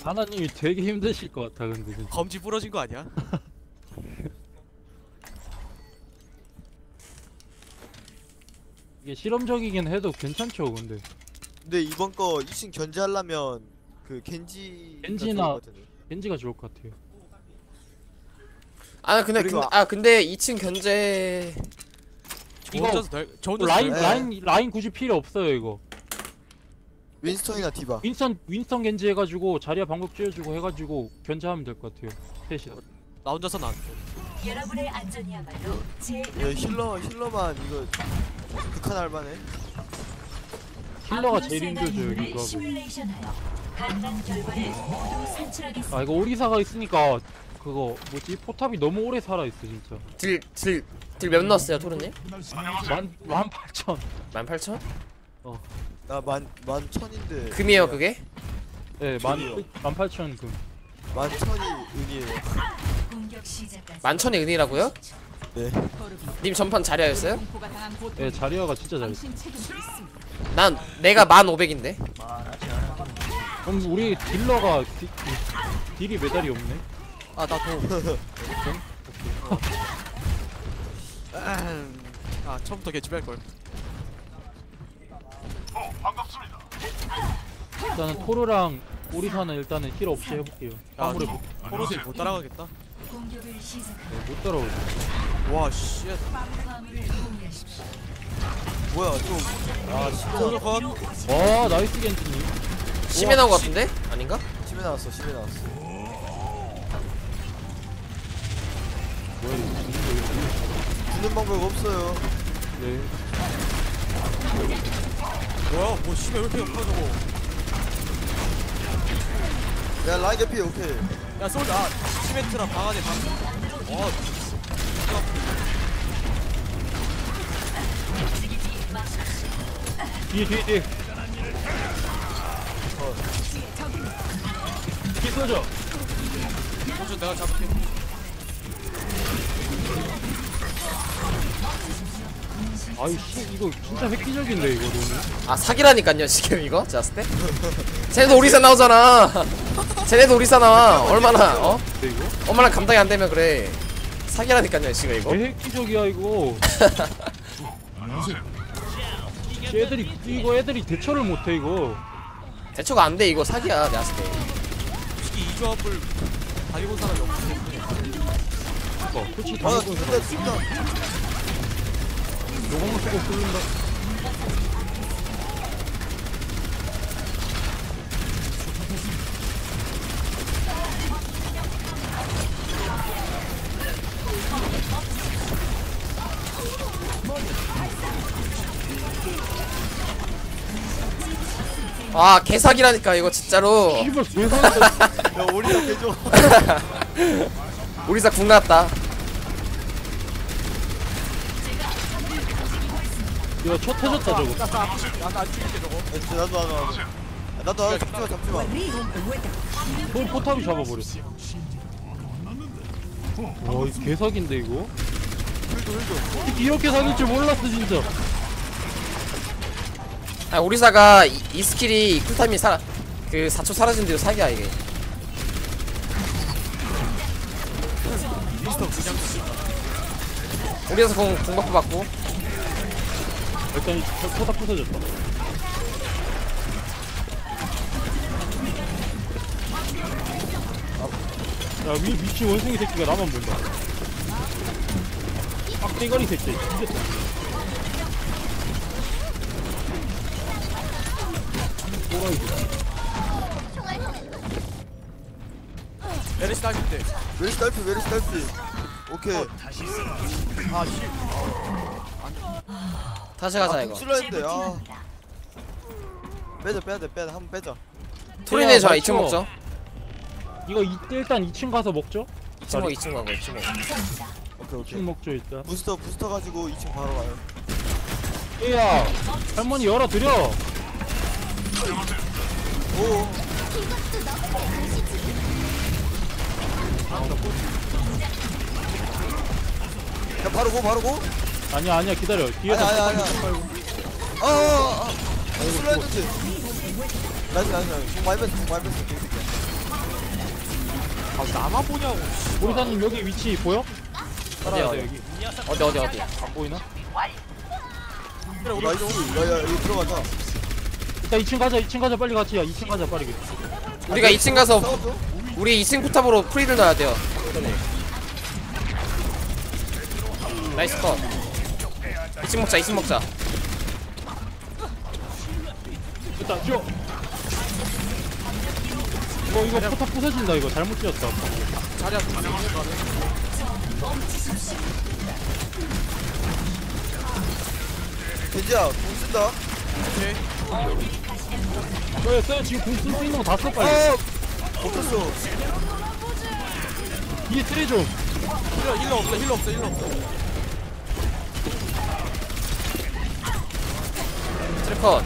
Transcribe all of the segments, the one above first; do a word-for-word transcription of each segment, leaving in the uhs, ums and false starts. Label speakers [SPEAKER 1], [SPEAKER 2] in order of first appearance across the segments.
[SPEAKER 1] 하나님이 되게 힘드실 것 같아 근데 진짜.
[SPEAKER 2] 검지 부러진 거 아니야?
[SPEAKER 1] 이게 실험적이긴 해도 괜찮죠 근데.
[SPEAKER 3] 근데 이번 거 이 층 견제하려면 그 겐지
[SPEAKER 1] 겐지나 겐지가 좋을 것 같아요.
[SPEAKER 4] 아 근데
[SPEAKER 3] 그리고
[SPEAKER 4] 근데, 아 근데 이 층 견제
[SPEAKER 2] 저
[SPEAKER 1] 이거
[SPEAKER 2] 혼자서 날, 저 혼자서
[SPEAKER 1] 라인
[SPEAKER 2] 날-
[SPEAKER 1] 라인 라인 굳이 필요 없어요 이거.
[SPEAKER 3] 윈스턴이나 디바.
[SPEAKER 1] 윈스턴 윈스턴 겐지 해가지고 자리야 방법 쥐어주고 해가지고 견제하면 될 것 같아요. 셋이.
[SPEAKER 2] 나 혼자서는 안 돼.
[SPEAKER 5] 여러분의 안전이야말로 제
[SPEAKER 3] 야, 힐러 힐러만 이거 극한할 만해.
[SPEAKER 1] 힐러가 제일 힘들죠 여기
[SPEAKER 5] 힘들죠
[SPEAKER 1] 조합은.
[SPEAKER 5] 시뮬레이션하여 간단 결과를 모두 산출하겠습니다.
[SPEAKER 1] 아 이거 오리사가 있으니까 그거 뭐지 포탑이 너무 오래 살아 있어 진짜.
[SPEAKER 4] 딜딜딜 몇 넣었어요 토르님?
[SPEAKER 1] 만만 팔천.
[SPEAKER 4] 만 팔천?
[SPEAKER 3] 나만 만 천인데.
[SPEAKER 4] 금이에요 그게?
[SPEAKER 1] 네만 만 팔천 금.
[SPEAKER 3] 만 천이 은이에요.
[SPEAKER 5] 공격 시작까지
[SPEAKER 4] 만천의 은이라고요?
[SPEAKER 3] 네.
[SPEAKER 4] 님 전판 자리하였어요?
[SPEAKER 1] 네 자리아가 진짜 잘했어.
[SPEAKER 4] 난 내가 만 오백인데.
[SPEAKER 1] 그럼 우리 딜러가 디, 딜이 메달이 없네.
[SPEAKER 2] 아 나도. 아 처음부터 개집할 걸.
[SPEAKER 1] 일단은 토르랑 오리사는 일단은 힐 없이 해볼게요.
[SPEAKER 2] 야,
[SPEAKER 1] 아무래 못,
[SPEAKER 2] 포로들 못 따라가겠다.
[SPEAKER 5] 공격을 시작하여
[SPEAKER 1] 네, 못 따라오죠.
[SPEAKER 2] 와 씨.
[SPEAKER 5] 화물을 공유하십시오.
[SPEAKER 3] 뭐야 좀. 아
[SPEAKER 2] 포로
[SPEAKER 3] 진짜
[SPEAKER 2] 컷.
[SPEAKER 1] 와 나이스 겐지님.
[SPEAKER 4] 심해 나온 거 같은데? 아닌가?
[SPEAKER 3] 심해 나왔어 심해 나왔어.
[SPEAKER 1] 뭐야 이거 죽는 거
[SPEAKER 3] 주는 방법 없어요.
[SPEAKER 1] 네.
[SPEAKER 2] 뭐야 뭐 씨발 왜 이렇게 높아 저거.
[SPEAKER 3] 야 라인 개피 오케이.
[SPEAKER 2] 야 솔드 아 시멘트랑 방 안에 방. 어.
[SPEAKER 1] 뒤에 뒤에 뒤에. 뒤에 쏘죠.
[SPEAKER 2] 포즈 내가 잡을게.
[SPEAKER 1] 아이씨 이거 진짜 획기적인데 이거 너무.
[SPEAKER 4] 아 사기라니깐요 지금 이거 제가 때? 쟤네도 오리사 나오잖아. 쟤네도 오리사 나와. 얼마나 어?
[SPEAKER 1] 근데 이거?
[SPEAKER 4] 얼마나 감당이 안 되면 그래. 사기라니깐요 지금 이거.
[SPEAKER 1] 왜 획기적이야 이거. 애들이 이거 애들이 대처를 못해 이거.
[SPEAKER 4] 대처가 안 돼 이거 사기야 내가 봤을 때.
[SPEAKER 2] 솔직히 이 조합을 다리고 사람이 없기 때문에.
[SPEAKER 1] 어, 솔직히
[SPEAKER 3] 아
[SPEAKER 1] 당근
[SPEAKER 3] 진짜 진짜.
[SPEAKER 1] 요거만 쓰고 뚫는다.
[SPEAKER 4] 아 개사기라니까 이거 진짜로.
[SPEAKER 1] 씨발 세상에.
[SPEAKER 3] 야 오리사 개줘.
[SPEAKER 4] 오리사 궁 나왔다.
[SPEAKER 1] 이거 첫 터졌다 저거.
[SPEAKER 2] 나도 안 죽일게 저거.
[SPEAKER 3] 나도 나도 나도. 나도 나도 잡지마 잡지마.
[SPEAKER 1] 또 포탑이 잡아버렸어. 와, 이 개사기인데 이거?
[SPEAKER 3] 힐도 힐도.
[SPEAKER 1] 이렇게 사귈 줄 몰랐어 진짜.
[SPEAKER 4] 아 오리사가 이, 이 스킬이 쿨타임이 사, 그 사 초 사라진 뒤로 사기야 이게.
[SPEAKER 2] 미스터 그냥
[SPEAKER 4] 오리사 공, 공 버프 받고.
[SPEAKER 1] 일단 이 포- 포탑 부서졌다. 야, 위 미친 원숭이 새끼가 나만 본다. 빡대가리 새끼. 이겼다. 또라이지.
[SPEAKER 2] 메리스 딸릴 때.
[SPEAKER 3] 웨리스 딸피 웨리스 딸피. 오케이.
[SPEAKER 2] 아 씨.
[SPEAKER 4] 다시 가자
[SPEAKER 3] 아
[SPEAKER 4] 이거.
[SPEAKER 3] 궁슬라 했는데 아.
[SPEAKER 5] 재부팅합니다.
[SPEAKER 3] 빼자 빼자 빼자 한번 빼자.
[SPEAKER 4] 토리네 좋아
[SPEAKER 1] 맞죠?
[SPEAKER 4] 이 층 먹죠.
[SPEAKER 1] 이거 이, 일단 이 층 가서 먹죠?
[SPEAKER 4] 이 층 먹 이 층 먹어 이 층 먹어.
[SPEAKER 5] 감사합니다.
[SPEAKER 3] 오케이
[SPEAKER 1] 이 층
[SPEAKER 3] 오케이.
[SPEAKER 1] 먹죠 일단.
[SPEAKER 3] 부스터 부스터 가지고 이 층 바로 가요.
[SPEAKER 1] 얘야, 할머니 열어드려.
[SPEAKER 3] 오. 야 바로 고 바로 고.
[SPEAKER 1] 아니야 아니야 기다려. 뒤에서
[SPEAKER 3] 아니야, 아니야,
[SPEAKER 1] 포탑
[SPEAKER 3] 아니야.
[SPEAKER 1] 말고.
[SPEAKER 3] 아아아. 슬라 했는데. 나이스 나이스 나이스. 공 많이 뺐어 공 많이 뺐어. 개새끼야.
[SPEAKER 2] 나만 보냐고.
[SPEAKER 1] 오리사님 여기 위치 보여? 따라야 돼 여기.
[SPEAKER 4] 어디 어디 어디.
[SPEAKER 1] 안 보이나?
[SPEAKER 2] 그래 우리
[SPEAKER 3] 나이스. 야야 여기 들어가자.
[SPEAKER 1] 일단 이 층 가자. 이 층 가자. 빨리 같이 야. 이 층 가자 빠르게.
[SPEAKER 4] 우리가 이 층 가서
[SPEAKER 3] 싸워줘.
[SPEAKER 4] 우리 이 층 포탑으로 프리를 넣어야 돼요. 나이스 컷. 이 층 먹자 이 층 먹자.
[SPEAKER 1] 됐다. 줘. 이거 이거 포탑 부서진다. 이거 잘못 지었다.
[SPEAKER 2] 자리야 자리야 가네.
[SPEAKER 3] 겐지야 공 쓴다.
[SPEAKER 2] 오케이.
[SPEAKER 1] 써요 써요. 지금 공 쓸 수 있는 거 다 써 빨리.
[SPEAKER 3] 아 못했어.
[SPEAKER 1] 뒤에 트레 좀.
[SPEAKER 2] 힐러 힐러 없어 힐러 없어 힐러 없어.
[SPEAKER 4] 트래컷.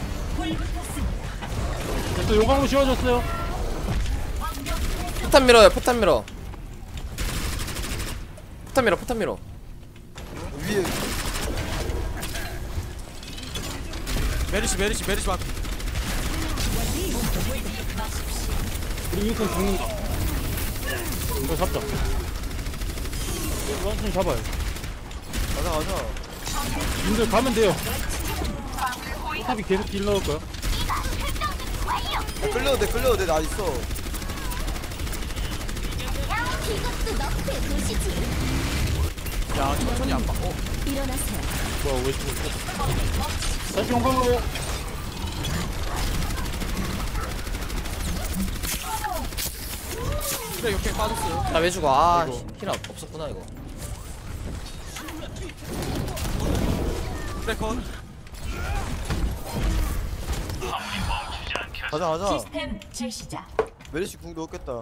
[SPEAKER 1] 됐어. 요강으로 씌워졌어요.
[SPEAKER 4] 포탄 밀어요 포탄 밀어. 포탄 밀어 포탄 밀어.
[SPEAKER 3] 위에
[SPEAKER 2] 메리시 메리시 메리시 막.
[SPEAKER 1] 우리 윈슨 죽는다. 이거 잡자. 윈슨 잡아요.
[SPEAKER 3] 가자 가자.
[SPEAKER 1] 님들 가면 돼요. 포탑이 계속 딜 넣을 거야.
[SPEAKER 3] 야, 끌려도 돼 끌려도 돼나 있어.
[SPEAKER 2] 야 천천히 안 봐. 어.
[SPEAKER 1] 뭐야 왜 죽었어? 다시 용광으로.
[SPEAKER 2] 그래 옆에 빠졌어요.
[SPEAKER 4] 나 왜 죽어? 아
[SPEAKER 1] 아이고.
[SPEAKER 4] 힐 없었구나 이거.
[SPEAKER 2] 그래 컷.
[SPEAKER 3] 가자 가자.
[SPEAKER 5] 시스템 재시작.
[SPEAKER 3] 메리시 궁 넣었겠다.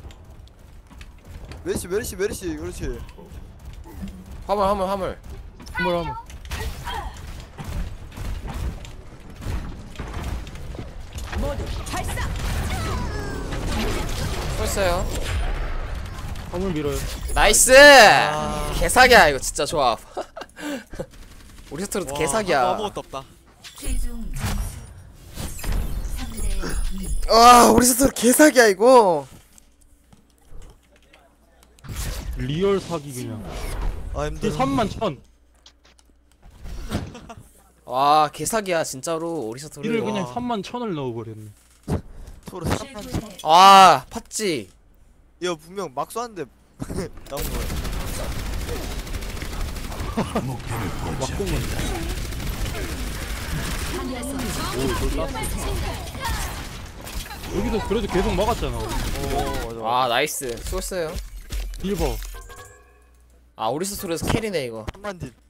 [SPEAKER 3] 메리시 메리시 메리시 그렇지.
[SPEAKER 4] 화물 화물 화물.
[SPEAKER 1] 한번 한번.
[SPEAKER 4] 쏘였어요.
[SPEAKER 1] 화물 밀어요.
[SPEAKER 4] 나이스. 개사기야 이거 진짜 좋아. 우리 스토리도
[SPEAKER 2] 와,
[SPEAKER 4] 개사기야.
[SPEAKER 2] 아무것도 없다.
[SPEAKER 5] 최종 점수 삼 대 이.
[SPEAKER 4] 와 우리 스토리 개사기야 이거.
[SPEAKER 1] 리얼 사기 그냥.
[SPEAKER 3] 아
[SPEAKER 1] 딜
[SPEAKER 3] 힘들어.
[SPEAKER 1] 삼만 천.
[SPEAKER 4] 와 개사기야 진짜로 우리 스토리.
[SPEAKER 1] 딜을
[SPEAKER 4] 와.
[SPEAKER 1] 그냥 삼만 천을 넣어버렸네.
[SPEAKER 3] 서로 삼만.
[SPEAKER 5] 최고의
[SPEAKER 4] 와 팠지.
[SPEAKER 3] 야 분명 막 쏘는데 나온 거야.
[SPEAKER 1] 막공은. 오 이걸 땄어. 여기도 그래도 계속 막았잖아. 우리.
[SPEAKER 3] 오 맞아.
[SPEAKER 4] 와 나이스 수고했어요.
[SPEAKER 1] 딜 봐.
[SPEAKER 4] 아 우리 스토리에서 캐리네 이거.
[SPEAKER 3] 삼만 딜.